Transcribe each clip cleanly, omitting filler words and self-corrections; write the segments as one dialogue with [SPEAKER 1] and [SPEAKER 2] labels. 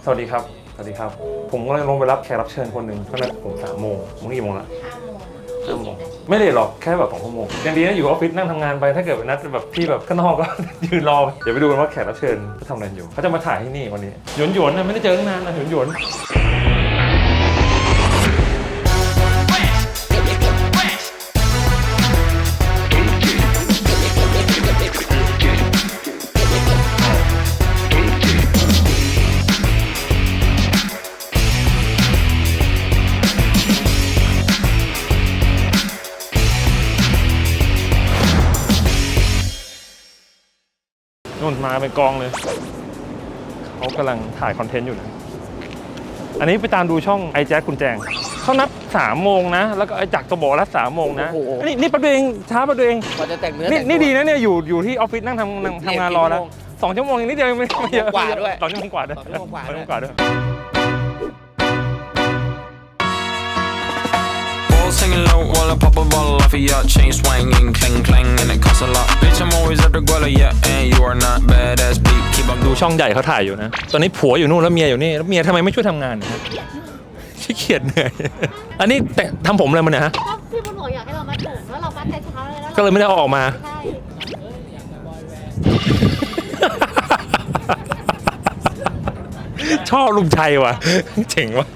[SPEAKER 1] วัสดีครับสวัสดีครับผมก็เลยลงไปรับแขกรับเชิญคนหนึ่งก็นัดผม3 โมงมึงกี่โมงละ5 โมงไม่เลยหรอกแค่แบบ2 ชั่วโมงยังดีนะอยู่ออฟฟิศนั่งทำงานไปถ้าเกิดนัดแบบที่แบบข้างนอกก็ ยืนรอเดี๋ยวไปดูกันว่าแขกรับเชิญเขาทำอะไรอยู่เขาจะมาถ่ายที่นี่วันนี้หยวนๆนะไม่ได้เจอตั้งนานนะหยวนนู่นมาเป็นกองเลยเขากำลังถ่ายคอนเทนต์อยู่นะอันนี้ไปตามดูช่องไอแจ๊ดคุณแจงเขานัด3 โมงนะแล้วก็ไอจักรจะบอกนัด3 โมงนะนี่แป๊บเดียวเองช้าแป๊บเดียวเอง
[SPEAKER 2] พอจะแต่งเนื้อ
[SPEAKER 1] นี่ดีนะเนี่ยอยู่ที่ออฟฟิศนั่งทำงานรอแล้ว2 ชั่วโมงนิดเดียวไม่เยอะ
[SPEAKER 2] กว่าด้วย
[SPEAKER 1] 2 ชั่วโมงกว่าด้วย2 ชั่วโมงกว่าด้วย
[SPEAKER 3] Singing low while I pop a bottle off of your chain swinging, clang clang, and it costs a lot. Bitch, I'm always at the guala, yeah, and you are not badass beat. Keep on
[SPEAKER 1] ดูช่องใหญ่เขาถ่ายอยู่นะตอนนี้ผัวอยู่นู่นแล้วเมียอยู่นี่แล้วเมียทำไมไม่ช่วยทำงานขี้เกียจเหนื่อยอันนี้แต่ทำผมอะไรมาเนี่ยฮะ
[SPEAKER 4] ก็พี่บุญหลวงอยากให้เรามัดผมแล้วเรามัดแต่เช้าเลยแล้ว
[SPEAKER 1] ก็เลยไม่ได้เอาออกมา
[SPEAKER 4] ใช่
[SPEAKER 1] ชอบลุงชัยว่ะเจ๋งว่ะ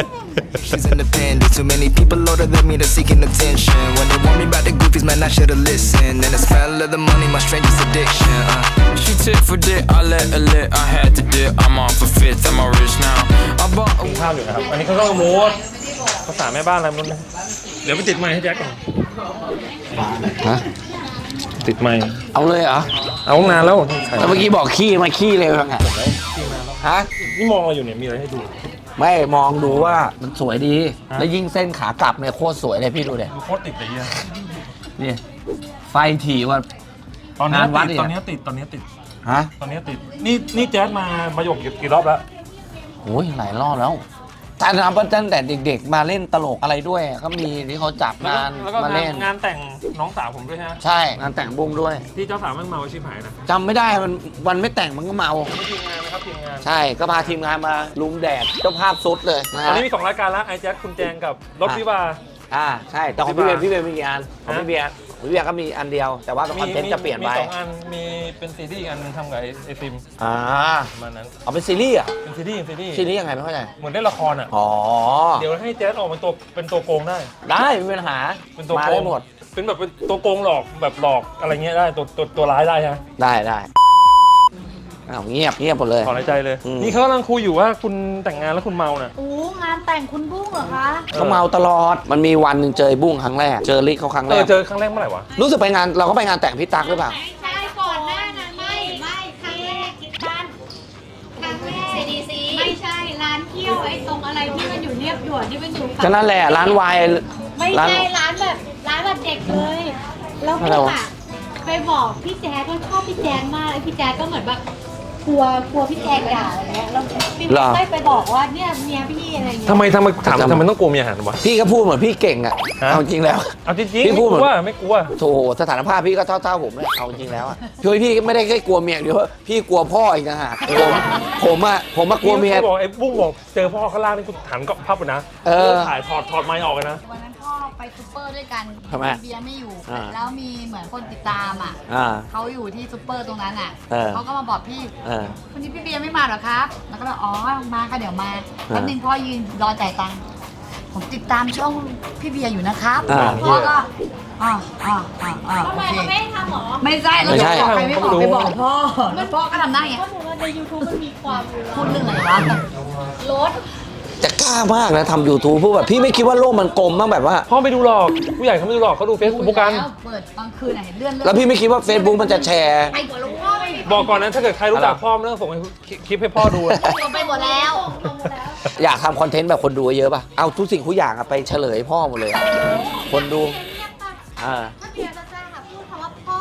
[SPEAKER 5] She's independent. Too many people older than me that's seeking attention. When they want me about the goofies, man, I should've listened. And the smell of the money, my strangest addiction.
[SPEAKER 3] She tit for dick, I let her lit, I had to dip. I'm on for fifth, I'm all rich now. I bought a
[SPEAKER 1] ข้าวอยู่นะครับอันนี้เขาก็มูดภาษาแม่บ้านอะไรไม่รู้นะเดี๋ยวไปติดไมค์ให้แจ็คก่อน
[SPEAKER 2] ฮะ
[SPEAKER 1] ติดไมค์
[SPEAKER 2] เอาเลยเหรอ
[SPEAKER 1] เอานานแล้ว
[SPEAKER 2] แล้วเมื่อกี้บอกขี้มาขี้เลยว่าไงฮะ
[SPEAKER 1] นี่มองอะไรอยู่เนี่ยมีอะไรให้ดู
[SPEAKER 2] ไม่มองดูว่ามันสวยดีแล้วยิ่งเส้นขากลับเนี่ยโคตรสวยเลยพี่ดูเด็
[SPEAKER 1] โคตรติดเลย
[SPEAKER 2] นี่ไฟถี่ว่า
[SPEAKER 1] ตอนนี้ติดตอนนี้ติด
[SPEAKER 2] ฮะ
[SPEAKER 1] ตอนนี้ติดนี่แจ๊สมาหยกกี่รอบแล้ว
[SPEAKER 2] โอ้ยหลายรอบแล้วถ้านับตั้งแต่เด็กๆมาเล่นตลกอะไรด้วยก็มีที่เขาจับงานมาเล่น
[SPEAKER 1] งานแต่งน้องสาวผมด้วยฮะ
[SPEAKER 2] ใช่งานแต่งบุ้งด้วย
[SPEAKER 1] ที่เจ้าสาวมันเมาชิบหายนะ
[SPEAKER 2] จำไม่ได้วันไม่แต่งมันก็เมา
[SPEAKER 1] ทีมงานนะครับทีมงาน
[SPEAKER 2] ใช่ก็พาทีมงานมาลุมแดดเจ้าภาพสุดเลย
[SPEAKER 1] ตอนนี้มี2 รายการแล้วไอแจ๊คคุณแจงกับรถวิวา
[SPEAKER 2] ใช่แต่ของพี่เบียร์มีกี่อันของพี่เบียร์ก็มีอันเดียวแต่ว่าคอนเทนต์จะเปลี่ยนไป
[SPEAKER 1] มี2 อันมีเป็นซีรีส์อันนึงทำกับไอซิมประมาณนั้น
[SPEAKER 2] เอาเป็นซีรีส์อ่ะ
[SPEAKER 1] เป็นซีรีส์
[SPEAKER 2] ยังไงไม่เข้าใจ
[SPEAKER 1] เหมือนได้ละครอ่ะเดี๋ยวให้แจ๊สออกเป็นตัวโกงได้
[SPEAKER 2] ไม่มีปัญหา
[SPEAKER 1] เป็นตัวโกงได้หมดเป็นแบบเป็นตัวโกงหลอกแบบหลอกอะไรเงี้ยได้ตัวร้ายได้ใช่ไหม
[SPEAKER 2] ได้อ้าวเงียบหมดเลย
[SPEAKER 1] ถอนหายใจเลยนี่เขากำลังคุยอยู่ว่าคุณแต่งงานแล้วคุณเมาน่ะ
[SPEAKER 4] งานแต่งคุณบุ้งเหรอคะ
[SPEAKER 2] เขาเมาตลอดมันมีวันหนึ่งเจอบุ้งครั้งแรกเจอลิกเขาครั้งแรก
[SPEAKER 1] เจอครั้งแรกเมื่อไหร่วะ
[SPEAKER 2] รู้สึกไปงานเราก็ไปงานแต่งพี่ตั๊กหรือเปล่า
[SPEAKER 4] ใช่ก่อนหน้านั้นไม่ครั้งแรกคิดบ้านครั้งแรก CDC ไม่ใช่ร้านเที่ยวไอ้ตรงอะไรที่มันอยู่เรียบด่วนที่มันอยู่
[SPEAKER 2] ก็นั่นแหละร้านวาย
[SPEAKER 4] ไม่ใช่ร้านแบบเด็กเลยแล้วพี่ไปบอกพี่แจ๊ก็ชอบพี่แจ๊มากเลยพี่แจ๊ก็เหมือนแบบกลัวพี่แจ๊ด่าอะไรเงี้ยแล้วพี่ไม่ไปบอกว่าเนี่ยเมียพี่อะไรเงี้ย
[SPEAKER 1] ทำไมถามทำไมต้องกลัวเมียหันวะ
[SPEAKER 2] พี่ก็พูดเหมือนพี่เก่งอ่ะเอาจริงแล้ว
[SPEAKER 1] เอาจริงพี่พูดไม่กลัว
[SPEAKER 2] โธ่สถานภาพพี่ก็เท่าผมเลยเอาจริงแล้วอ่ะพี่ไม่ได้แค่กลัวเมียเดียวพี่กลัวพ่ออีกนะฮะผมกลัวเมีย
[SPEAKER 1] บอกไอ้บุ้งบอกเจอพ่อข้างล่างนี่กูหันก็พับนะถ่ายถอดไม้ออกเลยนะ
[SPEAKER 4] วันนั้นพ่อไปซุปเปอร์ด้วยกันเบียร์ไม่อยู่แล้วมีเหมือนคนติดตามอ่ะเขาอยู่ที่ซุปเปอร์ตรงนั้นอ่ะเขาก็มาบอกพี่วันนี้พี่เบียร์ไม่มาหรอครับแล้วก็บอกอ๋อมาค่ะเดี๋ยวมาแป๊บนึงพ่อยืนรอจ่ายตังค์ผมติดตามช่องพี่เบียร์อยู่นะครับพ่อก็ทำไมเขาไม่ทำหรอไม่ใช่แล้วจะบอกใครไม่บอกไปบอกพ่อแล้วพ่อก็ทำได้ไงใน YouTube มันมีความพูดเรื่องอะไรวะรถ
[SPEAKER 2] จะกล้ามากนะทำ YouTube พูดแบบพี่ไม่คิดว่าโลกมันกลมบ้างแบบว่า
[SPEAKER 1] พ่อไม่ดูหรอกผู้ใหญ่เขาไม่ดูหรอกเขาดูเฟซบุ๊กกัน
[SPEAKER 4] เปิดกลางคืนเห็นเลื่อน
[SPEAKER 2] แล้วพี่ไม่คิดว่า Facebook มันจะแชร์
[SPEAKER 1] บอกก่อนนะถ้าเกิดใครรู้จักพ่อไม่ต้องส่งคลิปให้พ่อดู
[SPEAKER 4] ลงไปหมดแล้ว
[SPEAKER 2] อยากทำคอนเทนต์แบบคนดูเยอะป่ะเอาทุกสิ่งทุกอย่างไปเฉลยพ่อหมดเลยคนดู
[SPEAKER 4] ถ้าเบียร์จะพูดคำว่าพ่อ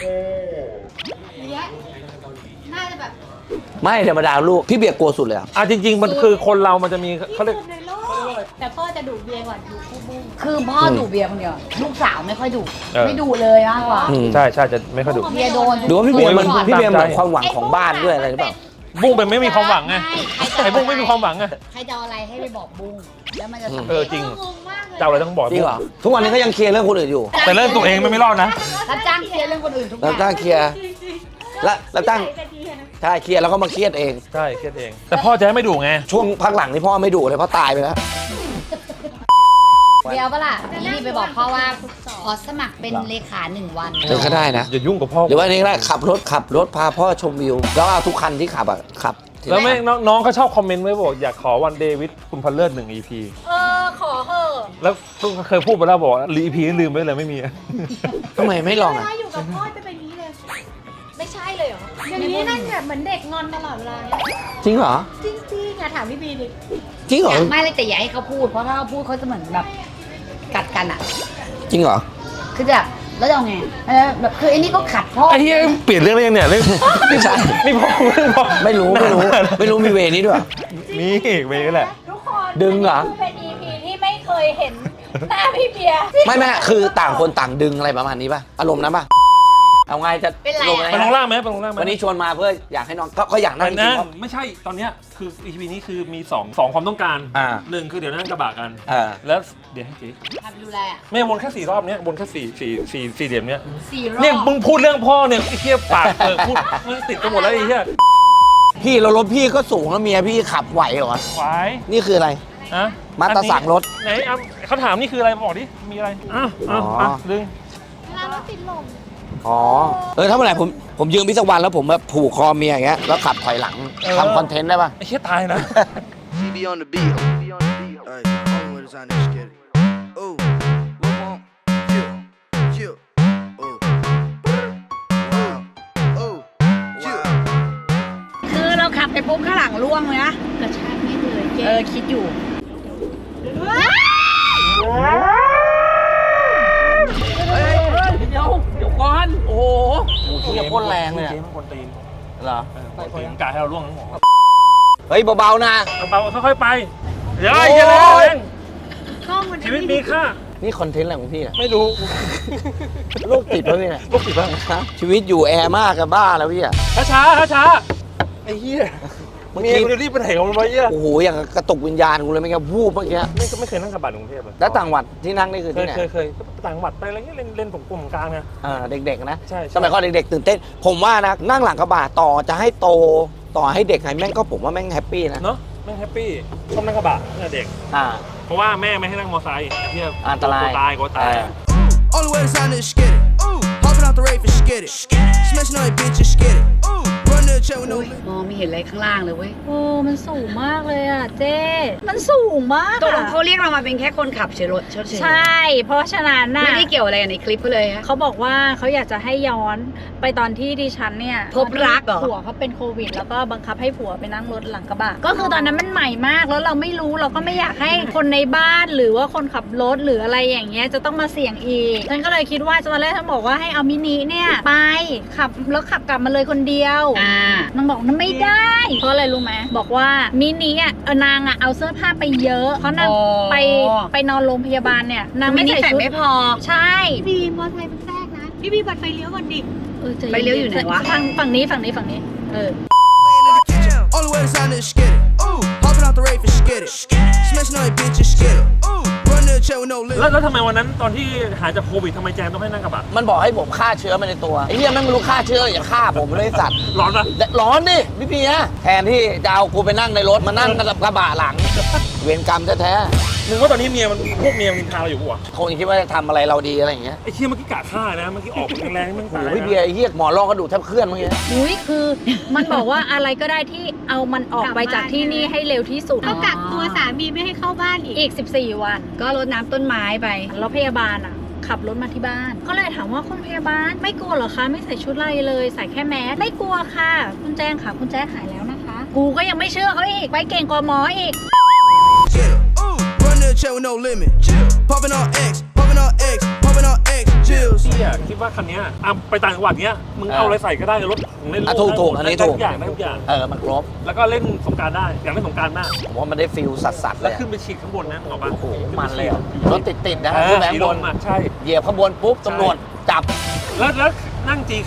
[SPEAKER 4] เนี่ยน่าจะแบบ
[SPEAKER 2] ไม่ธรรมดาลูกพี่เบียร์กลัวสุดเลย
[SPEAKER 1] จริงๆมันคือคนเรามันจะมีเขาเรียก
[SPEAKER 4] แต่พ่อจะดุเบียร์ก่อนดูคู่บุ้งคือพ่อดุเบียร์คนเดียวลูกสาวไม่ค่อยดุไม่ดุเลยมากกว่า
[SPEAKER 1] ใช่จะไม่ค่อยดุ
[SPEAKER 4] เบียร์โดน
[SPEAKER 2] ดูว่าพี่เบียร์เหมือนความหวังของบ้านด้วยอะไรหรือเปล่า
[SPEAKER 1] บุ้งเป็นไม่มีความหวังไง
[SPEAKER 4] ใครจะ
[SPEAKER 1] ไอ้บุ้งไม่มีความหวังไง
[SPEAKER 4] ใครจะเอาอะไรให้ไปบอกบุ้งแล้วมันจะสำ
[SPEAKER 1] เอ
[SPEAKER 4] เร็
[SPEAKER 1] อ
[SPEAKER 4] จ
[SPEAKER 1] จริง
[SPEAKER 4] งงมากเลย
[SPEAKER 1] เจ้าอะไรต้องบอก
[SPEAKER 2] จริงเหรอทุกวันนี้ก็ยังเคลียร์เรื่องคนอื่นอยู่
[SPEAKER 1] แต่เรื่องตัวเองไม่รอดนะ
[SPEAKER 4] รับจ้างเคลียร์เรื่องคนอื่นทุกอ
[SPEAKER 2] แล้ว
[SPEAKER 4] ย่าง
[SPEAKER 2] ตั้งเคลียร์แล้วตั้งใช่เคลียร์แล้วก็มาเครียดเอง
[SPEAKER 1] ใช่เครียดเอง แต่พ่อจะให้ไม่ดุไง
[SPEAKER 2] ช่วงพักหลังนี่พ่อไม่ดุเลยเพราะตายไปแล้ว
[SPEAKER 4] เดี๋ยวปะล่ะนี่ไปบอกพ่อว่าขอสมัครเป็นเลขา1 วัน
[SPEAKER 2] เออก็ได้นะ
[SPEAKER 1] อย่ายุ่งกับพ่อ
[SPEAKER 2] หรือว่านี่ก็ได้ขับรถพาพ่อชมวิว แล้วเอาทุกคันที่ขับอ่ะขับทีละ
[SPEAKER 1] แล้วไม่
[SPEAKER 2] คัน
[SPEAKER 1] น้องเขาชอบคอมเมนต์ไว้บอกอยากขอวันเดวิดคุณพันเลิศ1 EP
[SPEAKER 4] ขอเหอะ
[SPEAKER 1] แล้วเคยพูดไปแล้วบอกว่า EP นี้ลืมไปเลยไม่มี
[SPEAKER 2] ทำไมไม่ลองอ่ะ
[SPEAKER 6] ถ้าอยู่กับพ่อจะเป็นอย่างนี้เลย ไม่ใช่เลยเหรอ อย่างนี้นั่นแบบเหมือนเด็กงอนตลอดเวลาเนี่ย
[SPEAKER 2] จริงเหรอ
[SPEAKER 6] จริงๆอะถามพี่บีดิ
[SPEAKER 2] จริงเหรอ
[SPEAKER 4] อยากไม่เลยแต่อย่าให้เขาพูดเพราะถ้าเขาพูดเขาจะเหมือนแบบกัดกันอ่ะ
[SPEAKER 2] จริงเหรอ
[SPEAKER 4] คือแบบแล้วจะเอาไงแบบคือไอ้นี่ก็ขัดพ่อ
[SPEAKER 1] ไอ้เหี้ยเปลี่ยนเรื่องได้ยังเนี่ยเรื่อง
[SPEAKER 2] ไม่ใช่
[SPEAKER 1] นี่พ่อเรื่องพ่อ
[SPEAKER 2] ไม่รู้มีเวนี้ด้วย
[SPEAKER 1] มีเวย์แหละ
[SPEAKER 6] ทุกคน
[SPEAKER 2] ดึงเหรอ
[SPEAKER 6] นนี้คือเป็น EP ที่ไม่เคยเห็นหน้าพี่เบียร์
[SPEAKER 2] ไม่คือต่างคนต่างดึงอะไรประมาณนี้ป่ะอารมณ์นั้นป่ะเอาไงจะ
[SPEAKER 4] เป็นไร
[SPEAKER 2] ลง
[SPEAKER 4] อะ
[SPEAKER 2] ไง
[SPEAKER 1] ไปลงล่างไหมไปลงล่างไหม
[SPEAKER 2] วันนี้ชวนมาเพื่ออยากให้น้องก็อยากนั่งจริ
[SPEAKER 1] นั่
[SPEAKER 2] ง
[SPEAKER 1] ง
[SPEAKER 2] ๆเพราะ
[SPEAKER 1] ไม่ใช่ตอนเนี้ยคือ EP นี้คือมี2ความต้องการ
[SPEAKER 2] อ่า
[SPEAKER 1] หนึ่งคือเดี๋ยวนั่งกระบะกัน
[SPEAKER 2] แล้ว
[SPEAKER 1] เดี๋ยวให้จี
[SPEAKER 4] ทำดูแลอ่ะ
[SPEAKER 1] ไม่วนแค่4 รอบเนี้ยวนแค่สี่เหลี่ยมเนี้ย
[SPEAKER 4] 4 รอบ
[SPEAKER 1] เนี่ยมึงพูดเรื่องพ่อเนี่ยไอ้เหี้ยปากพูดมึงติดกันหมดแล้วไอ้เหี้ย
[SPEAKER 2] พี่เรารถพี่ก็สูงแล้วเมียพี่ขับไหวเหรอ
[SPEAKER 1] ควาย
[SPEAKER 2] นี่คืออะไร
[SPEAKER 1] อะ
[SPEAKER 2] มาตราสั่งรถ
[SPEAKER 1] ไหนอ่ะเขาถามนี่คืออะไรบอกดิมีอะไรอ้าวดึง
[SPEAKER 6] เวลารถติดลม
[SPEAKER 2] อ๋อถ้าเมื่อไหร่ผมยืมพี่สักวันแล้วผมแบบผูกคอเมียอย่างเงี้ยแล้วขับถอยหลังทำคอนเทนต์ได้ป่ะ
[SPEAKER 1] ไอ้เหี้ยตายนะ
[SPEAKER 5] TB on the beat. Alright, only way to sign this shit. Ooh, what want? Chill. Ooh. Wow. Ooh. Chill.
[SPEAKER 4] คือเราขับไปปุ๊บข้างหลังร่วงเลยนะ
[SPEAKER 6] กระชากไม่เลยเจ๊
[SPEAKER 4] คิดอยู่
[SPEAKER 2] เดี๋ยวก่อน โอ้โหเฮียพ่นแรงเลยอะ
[SPEAKER 1] เกมมันคนตีน
[SPEAKER 2] เหรอ
[SPEAKER 1] คนตีนกะให้เราล่วงทั้งหมด
[SPEAKER 2] เฮ้ยเบาๆนะ
[SPEAKER 1] เบาๆค่อยๆไปเดี๋ยวไอ้เหี้ยแรง
[SPEAKER 6] กล้องมัน
[SPEAKER 1] ชีวิตมีค่า
[SPEAKER 2] นี่คอนเทนต์อะไรของพี่อะ
[SPEAKER 1] ไม่รู้
[SPEAKER 2] โรคติดปะพี่เนี่ย
[SPEAKER 1] ลูกติดบ้าง
[SPEAKER 2] ชีวิตอยู่แอร์มากกับบ้าแล้วพี่อะ
[SPEAKER 1] ช้าไอ้เหี้ย
[SPEAKER 2] เมื่อ
[SPEAKER 1] เมีย
[SPEAKER 2] กี้
[SPEAKER 1] กูจะรีบไปไหนของมันวะเหี้ย
[SPEAKER 2] โอ้โหอย่างกับกระตุกวิญญาณกูเลยไม่งั้นวูบเมื่อกี้
[SPEAKER 1] ไม่เคยนั่งกระบะในกรุงเทพเลย
[SPEAKER 2] แล้วต่างจังหวัดที่นั่งนี่คือที่ไหน
[SPEAKER 1] เคยต่างจังหวัดไปอะไรเงี้ยเล่นผมกลุ่มกลางไง
[SPEAKER 2] เด็กๆนะ
[SPEAKER 1] ใช่
[SPEAKER 2] สมัยก่อนเด็กๆตื่นเต้น ผมว่านะนั่งหลังกระบะต่อจะให้โตต่อให้เด็กไงแม่งก็ผมว่าแม่งแฮปปี้นะ
[SPEAKER 1] เนาะแม่งแฮปปี้ชอบนั่งกระบะเนี่ยเด็ก
[SPEAKER 2] อ่า
[SPEAKER 1] เพราะว่าแม่ไม่ให้นั่งมอเตอร์ไซค์เที่ย
[SPEAKER 2] อันตราย
[SPEAKER 1] กลัวตาย
[SPEAKER 5] Only way to sign this skid it. Hopping out the rave and skid it. Smashing on that bitch and skid it. Run to the check with no
[SPEAKER 4] มองไม่เห็นอะไรข้างล่างเลยเว้ย
[SPEAKER 6] โอ้มันสูงมากเลยอ่ะเจ๊มันสูงมาก
[SPEAKER 4] ตกลง
[SPEAKER 6] อะ
[SPEAKER 4] เขาเรียกเรามาเป็นแค่คนขับเฉยรถเฉย
[SPEAKER 6] ใช่ เพราะฉะนั้นน่ะ
[SPEAKER 4] ไม่ได้เกี่ยวอะไรกับในคลิปเขาเลยฮะ
[SPEAKER 6] เขาบอกว่าเขาอยากจะให้ย้อนไปตอนที่ดิฉันเนี่ย
[SPEAKER 4] พบรักเหรอ
[SPEAKER 6] ผัวเขาเป็นโควิด แล้วก็บังคับให้ผัวไปนั่งรถหลังกระบะก็คือตอนนั้นมันใหม่มากแล้วเราไม่รู้เราก็ไม่อยากให้คนในบ้านหรือว่าคนขับรถหรืออะไรอย่างเงี้ยจะต้องมาเสี่ยงอีกฉันก็เลยคิดว่าตอนแรกฉันบอกว่าให้เอามินิเนี่ยไปขับแล้วขับกลับมาเลยคนเดียว นางบอกนั่นไม่ได้ เพราะอะไรรู้ไหมบอกว่ามินิอ่ะนางอ่ะเอาเสื้อผ้าไปเยอะเพราะนาง
[SPEAKER 4] อ๋อ
[SPEAKER 6] ไปนอนโรงพยาบาลเนี่ยนาง
[SPEAKER 4] ไม่
[SPEAKER 6] ไม่
[SPEAKER 4] ได้
[SPEAKER 6] ใส่
[SPEAKER 4] ใส่
[SPEAKER 6] ชุด
[SPEAKER 4] ไม่พอ
[SPEAKER 6] ใช่
[SPEAKER 7] บีมอเตอร์ไซค์มันแทรกนะ พี่บีบัดไฟเลี้ยวก่อนดิ
[SPEAKER 6] ใจ
[SPEAKER 4] ไปเลี้ยวอยู่ไหนวะ
[SPEAKER 6] ฝั่งนี้เออ
[SPEAKER 5] in the kitchen. Only way to sign this skid it. Hopping out the rave and skid it. Smashing on that bitch and skid it. Run to the check with no
[SPEAKER 1] แล้ว
[SPEAKER 5] limit.
[SPEAKER 1] แล้วทำไมวันนั้นตอนที่หายจากโควิดทำไมแจนต้องให้นั่งกระบะ
[SPEAKER 2] มันบอกให้ผมฆ่าเชื้อมาในตัวไอ้เหี้ยแม่งไม่รู้ฆ่าเชื้ออย่าฆ่าผมเลยไอ้สัตว์
[SPEAKER 1] ร้อนปะ
[SPEAKER 2] ร้อนดิพี่ปีนะแทนที่จะเอากูไปนั่งในรถมานั่งกับกระบะหลัง เวรกรรมแท้
[SPEAKER 1] มึงว่าตอนนี้พวกเมียมันนินทาเราอยู่ปะวะ
[SPEAKER 2] ๆคงคิดว่าจะทำอะไรเราดีอะไรอย่างเงี้ย
[SPEAKER 1] ไอ้เชี่ยเมื่อกี้กะฆ่านะเมื่อกี้ออกแรงๆมึง
[SPEAKER 2] โอ้
[SPEAKER 1] ตา
[SPEAKER 2] โห
[SPEAKER 1] ย
[SPEAKER 2] พี่เบียร์ไอ้เหี้ยหมอรองกระดูกแทบเคลื่อนเมื่อกี้
[SPEAKER 6] อุ้ยคือมันบอกว่าอะไรก็ได้ที่เอามันออกไปจากที่นี่ให้เร็วที่สุด
[SPEAKER 7] ก็กักตัวสามีไม่ให้เข้าบ้านอีก
[SPEAKER 6] อีก 14 วัน
[SPEAKER 4] ก็รดน้ำต้นไม้ไป
[SPEAKER 6] แล้วพยาบาลอ่ะ ขับรถมาที่บ้าน ก็เลยถามว่าคุณพยาบาลไม่กลัวเหรอคะไม่ใส่ชุดอะไรเลยใส่แค่แมสไม่กลัวค่ะคุณแจ้งค่ะคุณแจ้งหายแล้วนะคะ กูก็ยังไม่เชื่อเขาอีกไปเก่งกว่าหมออีก
[SPEAKER 5] Skid it. Run to the check with no limit. Popping on X. Popping on X. Popping on X. Chills.
[SPEAKER 1] พี่อะคิดว่าคันเนี้ยไปต่างจังหวัดเนี้ยมึงเอาอะไรใส่ก็ได้รถของเล่น
[SPEAKER 2] ถูกอันนี้ถูก
[SPEAKER 1] ได้ทุกอย่างได้ทุกอย่าง
[SPEAKER 2] มันครบ
[SPEAKER 1] แล้วก็เล่นสงกรารได้อยากเล่นสงกรารมาก
[SPEAKER 2] ผมว่ามันได้ฟิลสัสๆเล
[SPEAKER 1] แล้ว
[SPEAKER 2] ย
[SPEAKER 1] ขึ้นไปฉีดข้างบนนะหรอปะ
[SPEAKER 2] โอ้โหมันเลยอะรถติดๆนะ
[SPEAKER 1] เอ
[SPEAKER 2] ขึ้
[SPEAKER 1] อน
[SPEAKER 2] แบง
[SPEAKER 1] สี
[SPEAKER 2] บ
[SPEAKER 1] ล
[SPEAKER 2] น
[SPEAKER 1] มอ่ะใช่
[SPEAKER 2] เหยียบขบวนปุ๊บตำรวจจับ
[SPEAKER 1] แล้วนั่งจีคัส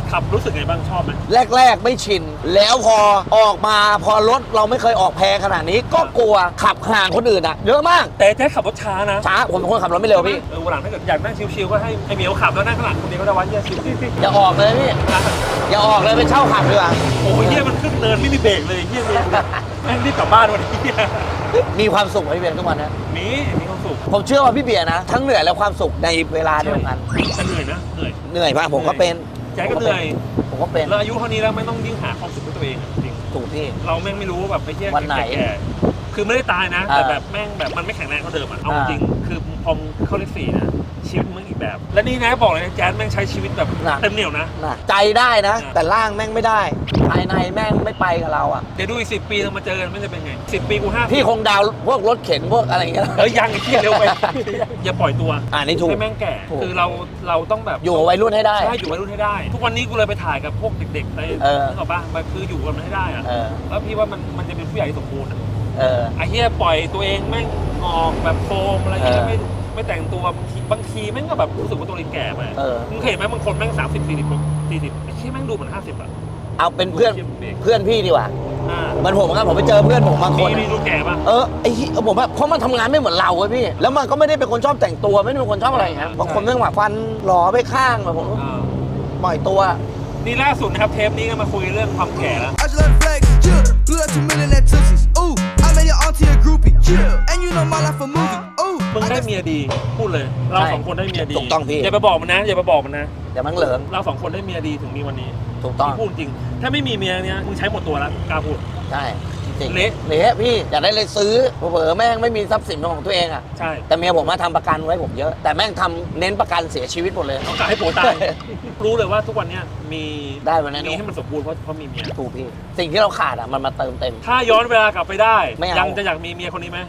[SPEAKER 1] ขับรู้สึกไงบ้างชอบไหม
[SPEAKER 2] แรกๆไม่ชิน แล้วพอออกมาพอรถเราไม่เคยออกแพงขนาดนี้ก็กลัวขับห่างคนอื่นอะเยอะมาก
[SPEAKER 1] แต่แจ๊คขับรถช้านะ
[SPEAKER 2] ช้าผมเป็นคนขับรถไม่เร็วพี่
[SPEAKER 1] วันหลังถ้าเกิดอยากนั่งชิวๆก็ให้ไอ้เหมียวขับแล้วนั่งข้างหลังคนเดียวก็ได้วะเหี้ยชิว
[SPEAKER 2] อย่าออกเลยพี่อย่าออกเลยไปเช่าขับดีกว่า
[SPEAKER 1] โอ้ยเหี้ยมันขึ้นเนินไม่มีเบรกเลยเหี้ยเลยแม่งรีบกลับบ้านวันนี้
[SPEAKER 2] มีความสุขไหมพี่เบียร์ทุกวันนะ
[SPEAKER 1] มีความสุข
[SPEAKER 2] ผมเชื่อว่าพี่เบียร์นะทั้งเหนื่อยและความสุขในเวลาเดียวกัน
[SPEAKER 1] แต่เหนื่อยนะเหนื่อย
[SPEAKER 2] เหนื่อยมากผมก็เป็น
[SPEAKER 1] แจ๊คก็เหนื่อย
[SPEAKER 2] ผมก็เป็น
[SPEAKER 1] แล้วอายุเท่านี้แล้วไม่ต้องยิ่งหาความสุขให้ตัวเองอะจริง
[SPEAKER 2] ถูกพี่
[SPEAKER 1] เราแม่งไม่รู้ว่าแบบไปเที่ยว
[SPEAKER 2] วันไหน
[SPEAKER 1] แก่ๆคือไม่ได้ตายนะ แต่แบบแม่งแบบมันไม่แข็งแรงเท่าเดิมอ่ะเอาจริงคือพอมเข้าเลข4นะชีวิตมึงอีกแบบ และนี่นะบอกเลยนะแจ๊สแม่งใช้ชีวิตแบบเต็มเหนี่ยวนะ
[SPEAKER 2] นะใจได้นะ แต่ร่างแม่งไม่ได้ภายในแม่งไม่ไปกับเราอ่ะ
[SPEAKER 1] เดี๋ยวดูอีก10 ปีเรามาเจอกันไม่จะเป็นไง10 ปีกู5
[SPEAKER 2] พี่คงดาวพวกรถเข็นพวกอะไรอย่างเงี้ย
[SPEAKER 1] ยังไอ้ที่เร็วไป อย่าปล่อยตัว
[SPEAKER 2] นี่ถูก
[SPEAKER 1] ให้แม่งแก่
[SPEAKER 2] ถูก
[SPEAKER 1] คือเราต้องแบบ
[SPEAKER 2] อยู่กับวัยรุ่นให้ได้
[SPEAKER 1] ใช่อยู่วัยรุ่นให้ได้ ทุกวันนี้กูเลยไปถ่ายกับพวกเด็กๆในนึกออกปะมันคืออยู่กันมันให้ได้อะ แล้วพี่ว่ามันจะเป็นผู้ใหญ่ที่สมบูรณ์อะไอ้เหี้ยปล่อยตัวเองแม่งออกแบบโฟมอะไรเงี้ยไม่แต่งตัวบางทีแม่งก็แบบรู้สึกว่าตัวเองแก่ไปมึงเห็นไหมบางคนแม่ง30 40ไอ้เหี้ยแม่งดูเหมือน50อะ
[SPEAKER 2] เอาเป็นเพื่อนพี่ดีกว่า เหมือนผมครับผมไปเจอเพื่อนผมบางคน
[SPEAKER 1] มีดูแก่ปะ
[SPEAKER 2] ไอ้ผมแบบเพราะมันทำงานไม่เหมือนเราเว้ยพี่ แล้วมันก็ไม่ได้เป็นคนชอบแต่งตัวไม่ได้เป็นคนชอบอะไรอย่างเงี้ยบางคนเรื่องแบบฟันหล่อไปข้างแบบผมปล่อยตัว
[SPEAKER 1] นี่ล่าสุดนะครับเทปนี้ก็มาคุยเรื่องความแก่แล้ว
[SPEAKER 5] I just love flex, chill. Blew out 2 million at Tootsies. Ooh, I made your auntie a groupie. Chill. And you know my life a movie. Ooh.
[SPEAKER 1] มึงได้เมียดีพูดเลยเราสองคนได้เมียดี
[SPEAKER 2] ถูกต้องพี่
[SPEAKER 1] อย่าไปบอกมันนะอย่าไปบอกมันนะ
[SPEAKER 2] เดี๋ยวมันเหลิง
[SPEAKER 1] เราสองคนได้เมียดีถึงมีวันนี้
[SPEAKER 2] ถูกต้อง
[SPEAKER 1] พูดจริงถ้าไม่มีเมียเนี้ยมึงใช้หมดตัวแล้วกล้าพูด
[SPEAKER 2] ใช่จริง
[SPEAKER 1] เละ
[SPEAKER 2] เละพี่อยากได้เลยซื้อเผลอๆแม่งไม่มีทรัพย์สินเป็นของตัวเองอ่ะ
[SPEAKER 1] ใช่
[SPEAKER 2] แต่เมียผมมาทำประกันไว้ผมเยอะ แต่แม่งทำเน้นประกันเสียชีวิตหมดเลย
[SPEAKER 1] ต้องการให้ผัวตายรู้เลยว่าทุกวันเนี้ยมี
[SPEAKER 2] ได้วันนั้น
[SPEAKER 1] มีให้มันสมบูรณ์เพราะมีเมีย
[SPEAKER 2] ถูกพี่ สิ่งที่เราขาดอ่ะมันมาเติมเต็ม
[SPEAKER 1] ถ้าย้อนเวลากลับไปได้
[SPEAKER 2] ไม่เอายั
[SPEAKER 1] ยังจะอยากมีเมียคนนี้ไหม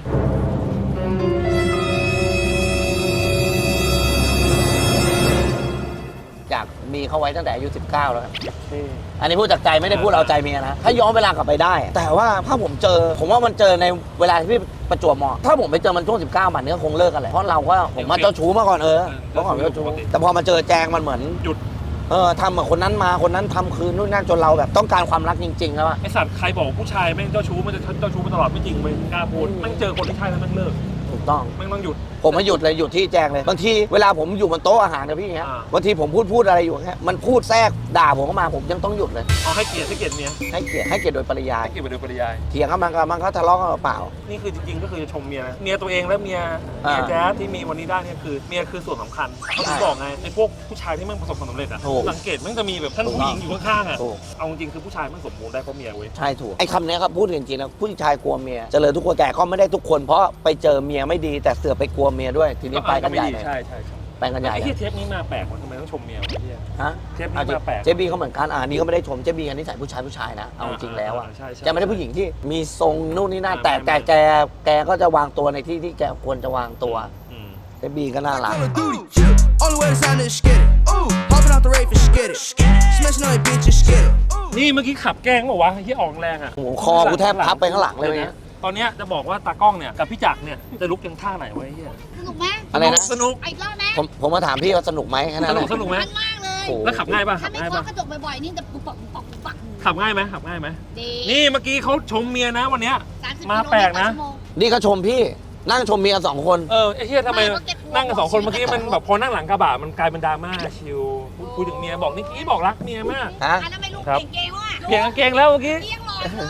[SPEAKER 2] อยากมีเขาไว้ตั้งแต่อายุ19แล้วครับอันนี้พูดจากใจไม่ได้พูดเอาใจเมียนะถ้าย้อนเวลากลับไปได้ แต่ว่าถ้าผมว่ามันเจอในเวลาที่ประจวบเหมาะถ้าผมไปเจอมันช่วง19มันก็คงเลิกกันแหละเพราะเราก็ผมมาเจ้าชู้มาก่อนเมื่อก่อนเจ้าชู้แต่พอมาเจอแจงมันเหมือน
[SPEAKER 1] หยุด
[SPEAKER 2] ทำกับคนนั้นมาคนนั้นทำคืนนู่นนั่นจนเราแบบต้องการความรักจริงๆแล้วอะ
[SPEAKER 1] ไอสัตว์ใครบอกผู้ชายแม่งเจ้าชู้มันจะเจ้าชู้มาตลอดไม่จริงเลยกล้าพูดแม่งเจอคนที่ใช่แล้วแม่งเลิก
[SPEAKER 2] ถูกต้อง
[SPEAKER 1] แม่งต้องหยุด
[SPEAKER 2] ผมมาหยุดเลยหยุดที่แจงเลยบางทีเวลาผมอยู่บนโต๊ะอาหารนะพี่เงี้ยบางทีผมพูดอะไรอยู่เงี้ยมันพูดแทรกด่าผมเข้ามาผมยังต้องหยุดเลย
[SPEAKER 1] เอาให้เกียรติเมีย
[SPEAKER 2] ให้เกียรติโดยปริยาย
[SPEAKER 1] ให้เกียรติไปโดยปริยาย
[SPEAKER 2] เถียงกันมันก็ทะเลาะกันเปล่า
[SPEAKER 1] นี่คือจริงๆก็คือจะชมเมียนะเมียตัวเองและเมียแจ๊สที่มีวันนี้ได้เนี่ยคือเมียคือส่วนสำคัญเขาถึงบอกไงไอ้พวกผู้ชายที่แม่งประสบความสำเร็จอะสังเกตแม่งจะมีแบบท่านผู้หญิงอยู่ข้างๆอะเอาจริงคือผู้ชายแม่งสมบูรณ์ได้เพราะเมียเว้ย
[SPEAKER 2] ใช่ถูกไอ้คำนี้ครับพูดจริงๆนะผู้ชายกลัวเมียเจริญทุกคนแก่ก็ไม่ได้ทุกคนเพราะไปเจอเมียไม่ดีแต่เสือกไปกลัวเมียด้วยทีนี้ไปกันใหญ่เลย
[SPEAKER 1] ใช่
[SPEAKER 2] ไปกันใหญ่
[SPEAKER 1] ไอ้
[SPEAKER 2] เลย
[SPEAKER 1] ที่เทปนี้มาแปลกวะทำไมต้องชมเมียวะไอ้เหี้ย
[SPEAKER 2] ฮะ
[SPEAKER 1] เทปนี้มาแปลก
[SPEAKER 2] เจบีเขาเหมือนกันนี่ก็ไม่ได้ชมเจบีกันนิสัยผู้ชายนะเอาจริงแล้วอ่ะ
[SPEAKER 1] ใช่
[SPEAKER 2] แกไม่ได้ผู้หญิงที่มีทรงนู่นนี่นั่นแต่แกก็จะวางตัวในที่ที่แกควรจะวางตัวเจบีก็น่ารัก
[SPEAKER 5] Call of Duty. Only way to sign is get it. Ooh, hopping off the rave and get it. Smashing on your bitches, get it.
[SPEAKER 1] นี่เมื่อกี้ขับแกล้งบอกว่าวะที่ออกแรงอ่ะ
[SPEAKER 2] โอ้โหคอกูแทบพับไปข้างหลังเลยเนี่ย
[SPEAKER 1] ตอนเนี้ยจะบอกว่าตากล้องเนี่ยกับพี่จักรเนี่ยจะลุกยังท่าไหนวะไอ้เหี้ย
[SPEAKER 4] สนุกไหม
[SPEAKER 2] อะไรนะ
[SPEAKER 1] สนุก
[SPEAKER 4] อีกรอบนะ
[SPEAKER 2] ผมมาถามพี่ว่าสนุกไหมแค่นั้น
[SPEAKER 1] สนุกไหม
[SPEAKER 4] มันมากเลย
[SPEAKER 2] โอ้โห
[SPEAKER 1] แล้วขับง่ายป่ะ
[SPEAKER 4] ถ้า
[SPEAKER 1] ขับ
[SPEAKER 4] ไม่
[SPEAKER 1] ง่าย
[SPEAKER 4] เคาะ
[SPEAKER 1] ป่ะ
[SPEAKER 4] กระจกบ่อยๆนี่จะปุ๊บปักปุ๊บปักปุ๊บปัก
[SPEAKER 1] ขับง่ายไหม
[SPEAKER 4] ดี
[SPEAKER 1] นี่เมื่อกี้เขาชมเมียนะวันเนี้ย
[SPEAKER 4] 30
[SPEAKER 1] มาแปลกนะ
[SPEAKER 4] กิโลเมตรต่อชั่วโมง
[SPEAKER 2] นี่ก็ชมพี่นั่งชมเมียสองคน
[SPEAKER 1] ไอ้เหี้ยทำไม
[SPEAKER 4] ไม่ก็เก็บหัว
[SPEAKER 1] นั่งกันสองคนเมื่อกี้มันแบบพอนั่งหลังกระบะมันกลายเป็นดราม่าชิลคุยถึงเมียบอกนิกกี้บอกรักเมียมาก
[SPEAKER 2] ฮะ
[SPEAKER 4] อันนั้นไม่รู้
[SPEAKER 1] ครับ
[SPEAKER 4] เก่งๆว่ะ
[SPEAKER 1] เปลี่ยนกางเกงแล้วเมื่อกี้
[SPEAKER 4] เลี้ยงรอยเลย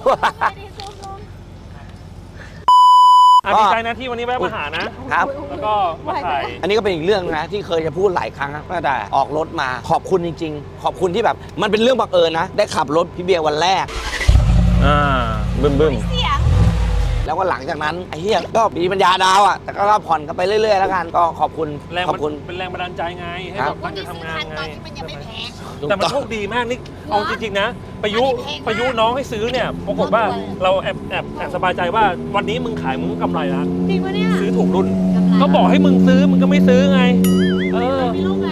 [SPEAKER 1] ดีใจนะที่วันนี้แวะมาหานะ
[SPEAKER 2] ครับ
[SPEAKER 1] แล้วก็มาถ่าย
[SPEAKER 2] อันนี้ก็เป็นอีกเรื่องนะที่เคยจะพูดหลายครั้งนะตั้งแต่ออกรถมาขอบคุณจริงๆ ขอบคุณที่แบบมันเป็นเรื่องบังเอิญนะ ได้ขับรถพี่เบียร์วันแรก
[SPEAKER 1] บึ้ม
[SPEAKER 4] เสียง
[SPEAKER 2] แล้วก็หลังจากนั้นไอ้เหี้ยก็มีปัญญาดาวอ่ะแต่ก็ผ่อนกันไปเรื่อยๆแล้วกันก็ขอบคุณ
[SPEAKER 1] แรง
[SPEAKER 2] ขอบคุณ
[SPEAKER 1] เป็นแรงบันดาลใจไงให้
[SPEAKER 2] ครั
[SPEAKER 1] แบบ บตั้งใจทำงานไง
[SPEAKER 4] ตอนที่มันยังไม่แพง
[SPEAKER 1] แต่มันโชคดีมากนี่เอาจริงๆนะประยุน้องให้ซื้อเนี่ยปรากฏว่าเราแอบสบายใจว่าวันนี้มึงขายมึงก็กำไรแล้ว
[SPEAKER 7] จริงปะเนี่ย
[SPEAKER 1] ซื้อถูกรุ่น
[SPEAKER 4] กำไร
[SPEAKER 1] ก็บอกให้มึงซื้อมึงก็ไม่ซื้อไง
[SPEAKER 7] มีลูกแล้ว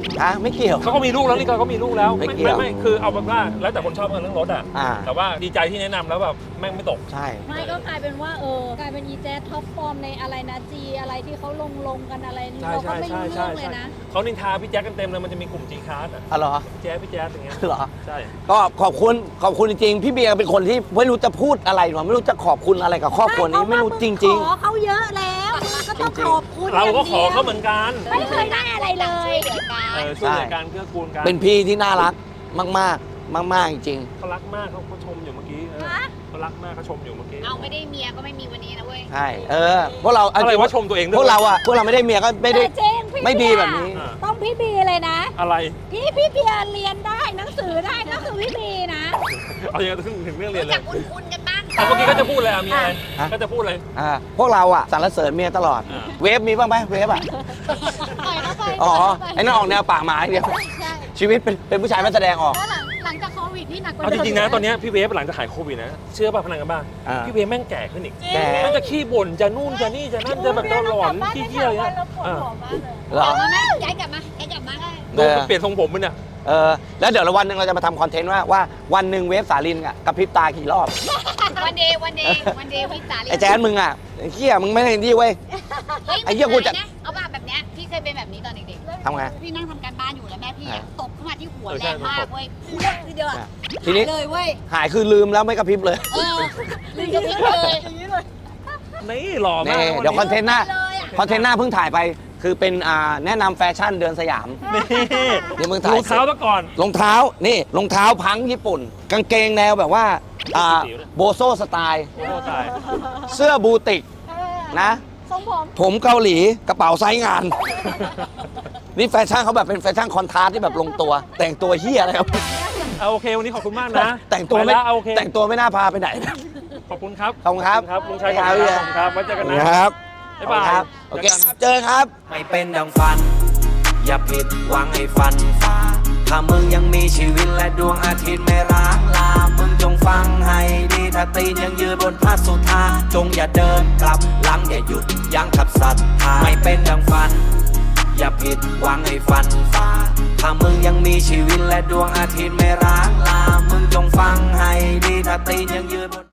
[SPEAKER 2] ไม่เกี่ยว
[SPEAKER 1] เขาก็มีลูกแล้วนี่ก็มีลูกแล้ว
[SPEAKER 2] ไม่เกี่ยว
[SPEAKER 1] ไม่คือเอาเป็นว่าแล้วแต่คนชอบกันเรื่องรถอ่ะ
[SPEAKER 2] อ่า
[SPEAKER 1] แต่ว่าดีใจที่แนะนำแล้วแบบแม่งไม่ตก
[SPEAKER 2] ใช่
[SPEAKER 6] ไม่ก็กลายเป็นว่ากลายเป็นอีแจ๊สท็อปฟอร์มในอะไรนะจีอะไรที่เขาลงกันอะไรนี่
[SPEAKER 1] ใช่
[SPEAKER 6] เราก็
[SPEAKER 1] ใช่
[SPEAKER 6] ไม่
[SPEAKER 1] ใช่
[SPEAKER 6] รู้
[SPEAKER 1] ใช่
[SPEAKER 6] เรื่องเลย
[SPEAKER 1] ใช่
[SPEAKER 6] นะ
[SPEAKER 1] เขานินทาพี่แจ๊คกันเต็มเลยมันจะมีกลุ่มจีคาร์ดอ่ะ
[SPEAKER 2] อ๋อเหรอ
[SPEAKER 1] พี่แจ๊คอย่างเงี้ย
[SPEAKER 2] เหรอ
[SPEAKER 1] ใช่
[SPEAKER 2] ก็ขอบคุณจริงๆพี่เบียร์เป็นคนที่ไม่รู้จะพูดอะไรหรอไม่รู้จะขอบคุณอะไรกับครอบครัวนี้ไม่รู้จริง
[SPEAKER 6] ขอเขาเยอะแล้วมึงก็ต้องขอบคุณ
[SPEAKER 1] เราก็ขอ
[SPEAKER 6] อย่างดียว
[SPEAKER 1] เขาเหมือนกัน
[SPEAKER 6] ไม่เคยได้อะไรเลย
[SPEAKER 1] ช่วยเหลือกันเกื้อกูลกัน
[SPEAKER 2] เป็นพี่ที่น่ารักมากๆจริง
[SPEAKER 1] เขารักมากเขาชมอยู่เมื่อกี้เขารักมากเขาชมอยู่เมื่อกี้
[SPEAKER 4] เอาไม่ได้เมียก็ไม่มีวันนี้นะเว้ย
[SPEAKER 2] ๆใช่พวกเรา
[SPEAKER 1] อะไรว่าชมตัวเองด้วย
[SPEAKER 2] พวกเราไม่ได้เมียก็ไม่ได้
[SPEAKER 6] แต่เจ๊งพี่
[SPEAKER 2] ไม่ดี
[SPEAKER 6] เยร์
[SPEAKER 2] แบบนี้
[SPEAKER 6] ต้องพี่บีเลยนะ
[SPEAKER 1] อะไร
[SPEAKER 6] พี่เบียร์เรียนได้หนังสือได้ก็คือพี่บีนะ
[SPEAKER 1] เอาอย่างถึงเรื่องเรียน
[SPEAKER 4] รู้
[SPEAKER 1] เล
[SPEAKER 4] จั
[SPEAKER 1] ย
[SPEAKER 4] กคุ้นๆกันบ้าง
[SPEAKER 1] เอาเมื่อกี้ก็จะพูดเลยมีอะไร
[SPEAKER 2] ฮะ
[SPEAKER 1] ก็จะพูดเลย
[SPEAKER 2] พวกเราสรรเสริญเมียตลอด
[SPEAKER 1] อ่า
[SPEAKER 2] เวฟมีบ้างไหมเวฟ
[SPEAKER 6] ปล่อยเข้าไป
[SPEAKER 2] อ๋อ
[SPEAKER 6] ปล่ยเข้าไป
[SPEAKER 2] ไอ้นั่นออกแนวป่าหมาอย่างเดียว
[SPEAKER 6] ใช่
[SPEAKER 2] ชีวิตเป็นผู้ชายไม่แสดงออก
[SPEAKER 6] แล้วหลังจากโควิดนี่หนักกว่า
[SPEAKER 1] เอาจ
[SPEAKER 6] เดิม
[SPEAKER 1] ริงๆนะตอนเนี้ยพี่เวฟหลังจากหายโควิดนะเชื่อป่ะพนันกันบ้าง
[SPEAKER 2] อ่า
[SPEAKER 1] พี่เวฟแม่งแก่ขึ้นอีก
[SPEAKER 2] แก่
[SPEAKER 1] มันจะขี้บ่นจะนู่นจะนี่จะนั่นจะแบบจะหลอนขี้เกียจอะไร
[SPEAKER 6] แล้
[SPEAKER 1] เงี้
[SPEAKER 6] วย ปวดหัวมากเลย
[SPEAKER 2] เหรอ
[SPEAKER 4] กลับมาไหมย้ายกลับมาได้
[SPEAKER 1] ดูมันเปลี่ยนทรงผมมันเนี่ย
[SPEAKER 2] แล้วเดี๋ยววันหนึ่งเราจะมาทำคอนเทนต์ว่าวันหนึ่งเวฟสาลินกระพริบตากี่รอบ
[SPEAKER 4] วันเดย์พี่สาลี
[SPEAKER 2] ไอ้แจ๊นมึงไอ้เหี้ยมึงไม่ได้ดีเว้ย ไอ้เหี้ยกูจะ
[SPEAKER 4] เอาแบบเนี้ยพี่เคยเป็นแบบนี้ตอนเด็ก
[SPEAKER 2] ทำไง
[SPEAKER 4] ๆพี่นั่งทำการบ้านอยู่แล้วแม่พี่
[SPEAKER 2] อ่า
[SPEAKER 4] ตบเข้ามาที่หัว
[SPEAKER 1] เออ
[SPEAKER 4] แร
[SPEAKER 1] ใช่
[SPEAKER 4] งมากเว้ยพูดทีเดียวอะ
[SPEAKER 2] ทีนี้
[SPEAKER 4] เลยเว้ย
[SPEAKER 2] หายคือลืมแล้วไม่กระพริบเลย
[SPEAKER 4] ลืมจะพิ้งเลย
[SPEAKER 1] นี่หล่อมาก
[SPEAKER 2] นี่เดี๋ยวคอนเทนต์หน้า
[SPEAKER 4] เลยอะ
[SPEAKER 2] คอนเทนต์หน้าเพิ่งถ่ายไป คือเป็นแนะนำแฟชั่นเดินสยาม
[SPEAKER 1] นี่
[SPEAKER 2] เดี๋ยวมึงถ่าย
[SPEAKER 1] รองเท้าซะก่อน
[SPEAKER 2] รองเท้าพังญี่ปุ่น กางเกงแนวแบบว่าโบโซสไตล์
[SPEAKER 1] โอ้โหตาย
[SPEAKER 2] เสื้อบูติกนะ
[SPEAKER 6] ทรงผม
[SPEAKER 2] ผมเกาหลีกระเป๋าไซส์งาน นี่แฟชั่นเขาแบบเป็นแฟชั่นคอนทราสต์ที่แบบลงตัว แต่งตัวเฮียอะไรครับ
[SPEAKER 1] เอาโอเควันนี้ขอบคุณมากนะ
[SPEAKER 2] แต่งตัว
[SPEAKER 1] ไป
[SPEAKER 2] ไม่
[SPEAKER 1] แล้วเอาโอเค
[SPEAKER 2] แต่งตัวไม่น่าพาไปไหนนะ
[SPEAKER 1] ขอบคุณครับ
[SPEAKER 2] ขอบคุณครับ
[SPEAKER 1] ลุงชัย
[SPEAKER 2] ครับ
[SPEAKER 1] ขอบคุณครับไว้เจอกันนะครับ บ๊ายบาย
[SPEAKER 2] ครับโอเคเจอครับ
[SPEAKER 8] ไม่เป็นดังฝัน อย่าผิดหวังให้ฝันฟ้า ถ้ามึงยังมีชีวิตและดวงอาทิตย์ไม่ร้างลา มึงจงฟังให้ดี ถ้าตีนยังยืนบนพระสุธาจงอย่าเดินกลับหลังอย่าหยุดยั้งขับศรัทธาไม่เป็นดังฝัน อย่าผิดหวังให้ฝันฟ้า ถ้ามึงยังมีชีวิตและดวงอาทิตย์ไม่ร้างลา มึงจงฟังให้ดี ถ้าตีนยังยืนบน